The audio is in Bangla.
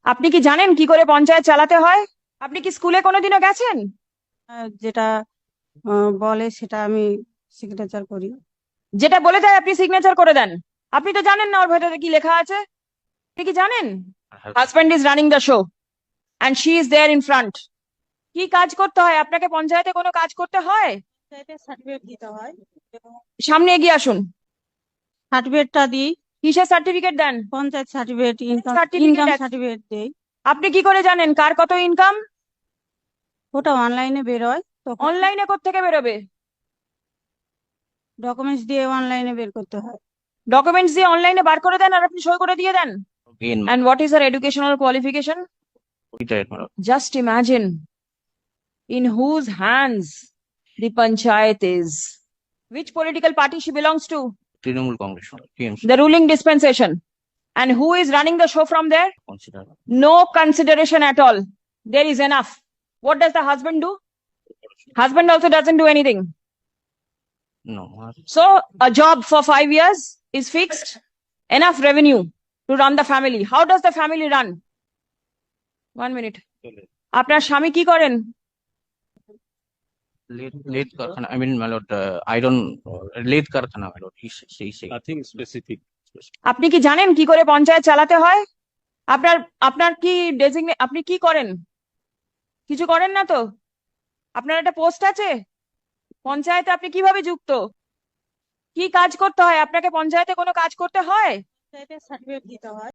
আপনি কি জানেন কি করে পঞ্চায়েত চালাতে হয়? আপনি কি স্কুলে কোনোদিনও গেছেন? যেটা বলে সেটা আমি সিগনেচার করি। যেটা বলে দেয় আপনি সিগনেচার করে দেন? আপনি তো জানেন না ওর ভেতরে কি লেখা আছে। আপনি কি জানেন? Husband is running the show and she is there in front. কি কাজ করতে হয় আপনাকে? পঞ্চায়েতে কোনো কাজ করতে হয়? সার্টিফিকেট দিতে হয় এবং সামনে এগিয়ে আসুন। সার্টিফিকেটটা দিই। কিসের সার্টিফিকেট দেন? Panchayat certificate, income certificate. Income certificate দেই। আপনি কি করে জানেন কার কত ইনকাম? ওটা অনলাইনে বেরোয়, তখন অনলাইনে কোত্থেকে বেরোবে? ডকুমেন্টস দিয়ে অনলাইনে বের করতে হয়। ডকুমেন্টস দিয়ে অনলাইনে বার করে দেন আর আপনি সই করে দিয়ে দেন? Again, And what is her educational qualification? retired, madam. Just imagine in whose hands the panchayat is. Which political party she belongs to? Trinamool Congress, TMC. The ruling dispensation. And who is running the show from there? Consider. No consideration at all. There is enough. What does the husband do? Husband also doesn't do anything. No. So a job for 5 years is fixed. Enough revenue to run the family. How does the family run? 1 minute. আপনার স্বামী কি করেন? Late Karkhana, I mean, my lord, iron, late Karkhana, my lord. He Nothing specific. আপনি কি জানেন কি করে পঞ্চায়েত চালাতে হয়? আপনার আপনার কি ডেজিগনে আপনি কি করেন? কিছু করেন না তো? আপনার একটা পোস্ট আছে পঞ্চায়েতে, আপনি কিভাবে যুক্ত? কি কাজ করতে হয় আপনাকে? পঞ্চায়েতে কোনো কাজ করতে হয়? সার্টিফিকেট দিতে হয়।